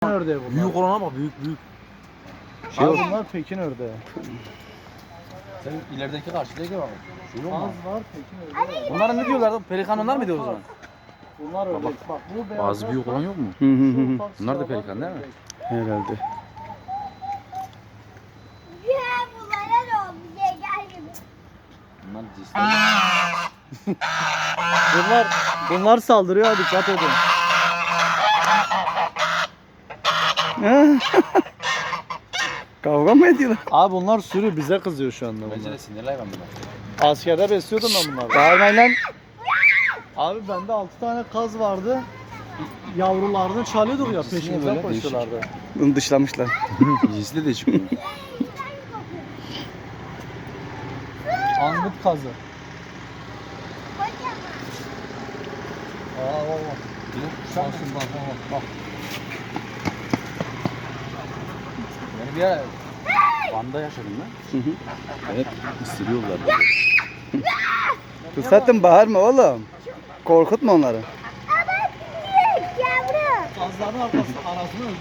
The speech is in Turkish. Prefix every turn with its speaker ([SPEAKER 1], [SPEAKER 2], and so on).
[SPEAKER 1] ördeği bunlar.
[SPEAKER 2] Büyük olana bak, büyük.
[SPEAKER 1] Şey bunlar Pekin ördeği.
[SPEAKER 2] Sen ilerideki karşıdaki bak. Şu yok mu?
[SPEAKER 1] Az var Pekin ördeği.
[SPEAKER 2] Bunlara ne diyorlar? Pelikan onlar mı diyoruz o zaman?
[SPEAKER 1] Bunlar ördek. Bak bu beyaz.
[SPEAKER 2] Bazı büyük olan yok mu? Bunlar da pelikan değil mi?
[SPEAKER 3] Herhalde.
[SPEAKER 2] Bunlar cinsler.
[SPEAKER 1] Bunlar saldırıyor, dikkat edin.
[SPEAKER 3] Kavga mı ediyorlar?
[SPEAKER 1] Abi bunlar sürü, bize kızıyor şu anda
[SPEAKER 2] Bence
[SPEAKER 1] bunlar.
[SPEAKER 2] de sinirli hayvan bunlar.
[SPEAKER 1] Askerde besliyordum ben bunları.
[SPEAKER 3] Bağırmayın lan.
[SPEAKER 1] Abi bende 6 tane kaz vardı. Yavrularını çalıyorduk ya,
[SPEAKER 2] Cinsi niye
[SPEAKER 1] peşimizden
[SPEAKER 2] böyle? Değişik.
[SPEAKER 1] koşuyorlardı.
[SPEAKER 3] Bunu dışlamışlar.
[SPEAKER 2] Cinsi de değişik bunun.
[SPEAKER 1] Angut kazı. Aa bak.
[SPEAKER 2] Şansın bak. Beni bir ara Van'da yaşadım ben. Hep ısırıyorlar.
[SPEAKER 3] Fırsatın bağırma oğlum. Korkutma onları.
[SPEAKER 1] Kazların arasını